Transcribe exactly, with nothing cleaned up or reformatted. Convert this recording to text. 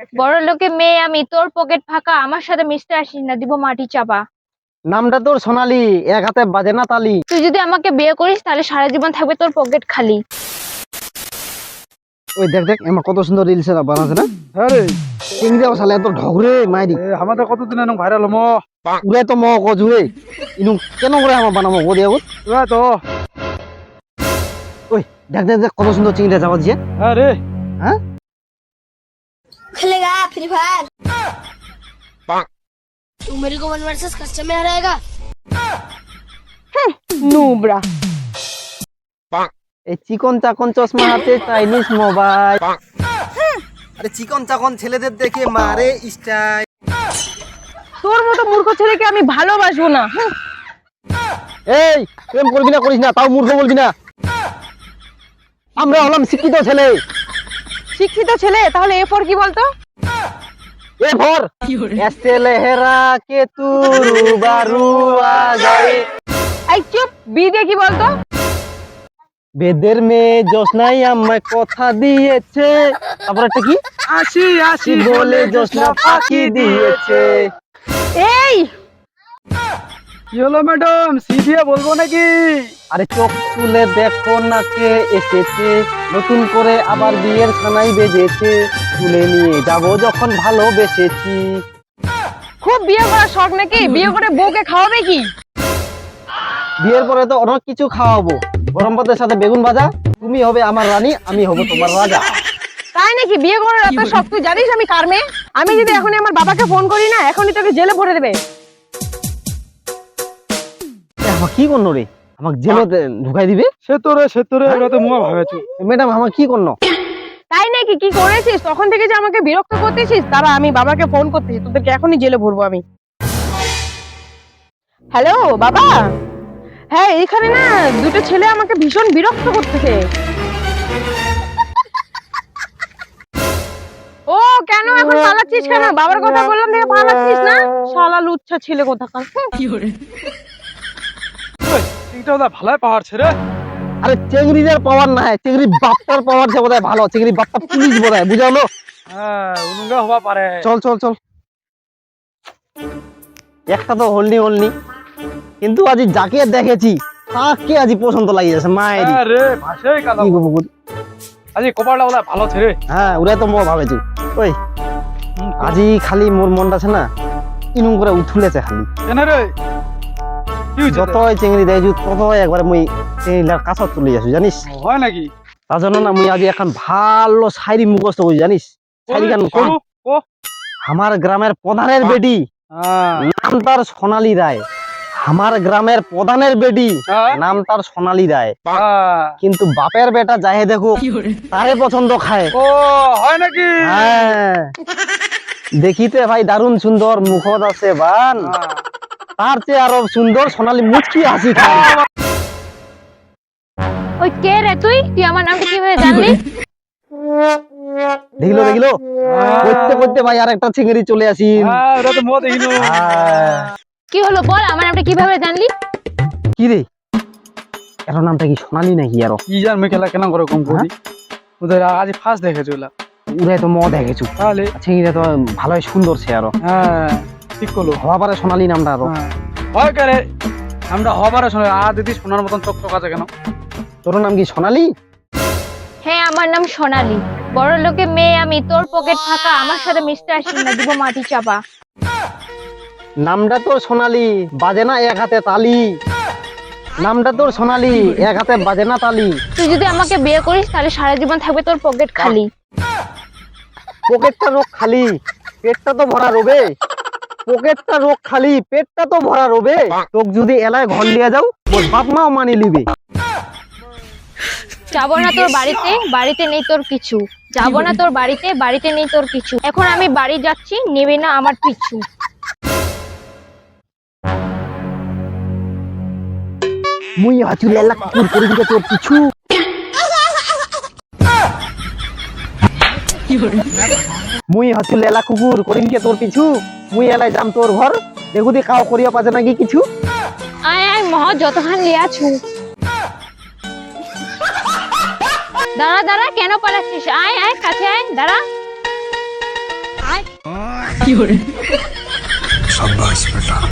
বড় লোকে মেয়ে আমি, তোর পকেট ফাঁকা, আমার সাথে মিশতে আসিস না, দিব মাটি চাপা। নামটা তোর সোনালি, এক হাতে বাজে না তালি। তুই যদি আমাকে বিয়ে করিস তাহলে সারা জীবন থাকবে তোর পকেট খালি। ওই দেখ দেখ আমার কত সুন্দর রিলস বানাচ্ছে না। হ্যাঁ রে, চিংড়ি শালা এত ঢগরে মাইরি এ আমাদের কতদিন এরকম ভাইরাল হমো। উড়াই তো ম কজুয়ে ইনু কেন করে আমার বানাবো গদি আগত। ওরা তো ওই দেখ দেখ দেখ কত সুন্দর চিংড়ি যাওয়া দিয়ে। হ্যাঁ রে, হ্যাঁ खेलेगा फ्री फायर। तू मेरे को वन वर्सेस कस्टम में हराएगा। নুবরা। এই চিকন চাকন চশমা হাতে চাইনিজ মোবাইল। আরে চিকন চাকন ছেলেদের দেখে মারে স্টাইল। তোর মতো মূর্খ ছেলেকে আমি ভালোবাসবো না। এই প্রেম করবি না করিস না, তাও মূর্খ বলবি না। আমরা হলাম শিক্ষিত ছেলে। শিক্ষিত ছেলে, তাহলে এ ফর কি বলতো? এ ভর এসে লেহেরা কে তু রুবারু আ যায়। এই চুপ, বি দিয়ে কি বলতো? বেদের মেয়ে জোসনাই আমায় কথা দিয়েছে। তারপর একটা কি আসি আসি কি বলে জোসনা ফাঁকি দিয়েছে। এই কি হলো ম্যাডাম, সি দিয়ে বলবো নাকি? আরে চোখ তুলে দেখো না কে এসেছে, নতুন করে আবার বিয়ের ছানাই বেজেছে, তুলে নিয়ে যাব যখন ভালোবেসেছি। খুব বিয়ে করার শখ নাকি? বিয়ে করে বউকে খাওয়াবে কি? বিয়ের পরে তো অনেক কিছু খাওয়াবো, গরম ভাতের সাথে বেগুন ভাজা। তুমি হবে আমার রানী, আমি হব তোমার রাজা। তাই নাকি? বিয়ে করার এত শখ, তুই জানিস আমি কার মেয়ে? আমি যদি এখনই আমার বাবাকে ফোন করি না, এখনই তোকে জেলে ভরে দেবে। আমার কি করলো রে, আমাকে জেলতে ঢুকাই দিবে। সে তো রে সে তো রে, ওরা তো মুয়া ভাবেছো। ম্যাডাম আমার কি করলো? তাই নাকি? কি করেছিস? তখন থেকে যে আমাকে বিরক্ত করতেছিস, তারা আমি বাবাকে ফোন করতেছি, তোদেরকে এখনই জেলে ভরবো আমি। হ্যালো বাবা, হ্যাঁ এখানে না দুটো ছেলে আমাকে ভীষণ বিরক্ত করতেছে। ও কেন এখন পালাচ্ছিস কেন? বাবার কথা বললাম দেখে পালাচ্ছিস না? শালা লুচ্ছা ছেলে কোথাকার। এইটা ওরা ভালাই পাহাড় ছেড়ে। আরে চেংড়িদের পাওয়ার না, চেংড়ি বাপটার পাওয়ার যে বোধহয় ভালো, চেংড়ি বাপটা পুলিশ বোধহয়, বুঝালো। হ্যাঁ উনুঙ্গা হওয়া পারে। চল চল চল, একটা তো হলনি হলনি, কিন্তু আজি যাকে দেখেছি তাকে আজি পছন্দ লাগিয়ে যাচ্ছে মায়ের। হ্যাঁ রে, ভাষাই কাদা। কি করবো? আজি কপালটা ওরা ভালো ছেড়ে। হ্যাঁ ওরা তো মই ভাবেছি। ওই আজি খালি মোর মনটা আছে না ইনুম করে উঠুলেছে খালি। কেন রে, কি হয়েছে? যতই চেংড়ি দেয় ততই একবার মুই চেংড়িটার কাছত চলে যাচ্ছি জানিস। হয় নাকি? তার জন্য না মুই আজি এখন ভালো শায়রি মুখস্থ করি জানিস। শায়রি গান কম। করু, ও আমার গ্রামের প্রধানের বেটি, হ্যাঁ নাম তার সোনালী রায়। আমার গ্রামের প্রধানের বেটি, হ্যাঁ, নাম তার সোনালী রায়। হ্যাঁ। কিন্তু বাপের বেটা যাহে দেখো তারে পছন্দ খায়। ও হয় নাকি? হ্যাঁ দেখিতে ভাই দারুণ সুন্দর, মুখত আছে বান, হ্যাঁ। তার চেয়ে আরো সুন্দর সোনালী মুচকি হাসি খায়। ওই কে রে তুই? তুই আমার নামটা কিভাবে জানলি? দেখিলো দেখিলো করতে করতে ভাই আর একটা চিংড়ি চলে আসি। হ্যাঁ, ওরা তো মুয়া দেখিনো। কি হলো বল, আমার নামটা কিভাবে জানলি? কি রে এর নামটা কি সোনালী নাকি? আরো কি জান মুই খেলা কেন করে কম করি। ওদের আজ ফার্স্ট দেখেছি ওলা। উড়াই তো মদ হয়ে গেছু, তাহলে চিংড়িটা তো ভালোই সুন্দর সে আরো। হ্যাঁ ঠিক করলো। হওয়া পারে সোনালী নামটা আরো। হ্যাঁ হয় করে আমরা হবারে শুনে আ দিদি সোনার মতন চকচক আছে কেন? তোর নাম কি সোনালী? হ্যাঁ আমার নাম সোনালী, বড় লোকে মেয়ে আমি, তোর পকেট ফাঁকা, আমার সাথে মিশতে আসিস না, দিব মাটি চাপা। নামটা তোর সোনালী, বাজে না এক হাতে তালি। নামটা তোর সোনালী, এক হাতে বাজে না তালি। তুই যদি আমাকে বিয়ে করিস তাহলে সারা জীবন থাকবে তোর পকেট খালি। পকেটটা রোগ খালি, পেটটা তো ভরা রবে। পকেটটা রোগ খালি, পেটটা তো ভরা রবে। তোক যদি এলায় ঘর লিয়ে যাও ওর বাপ মাও মানি লিবে। যাবো না তোর বাড়িতে, বাড়িতে নেই তোর কিছু। যাবো না তোর বাড়িতে, বাড়িতে নেই তোর কিছু। এখন আমি বাড়ি যাচ্ছি, নেবে না আমার পিছু। মুই হাঁচু লেলা কুকুর করে দিকে তোর পিছু। মুই হাঁচু লেলা কুকুর করিম কে তোর পিছু। মুই এলাই যাম তোর ঘর, দেখু দি কাও করিয়া পাছে নাকি কিছু। আয় আয় মহ যতখান লিয়াছু। দাঁড়া দাঁড়া, কেন পালাচ্ছিস? আয় আয় কাছে আয়, দাঁড়া। কি করে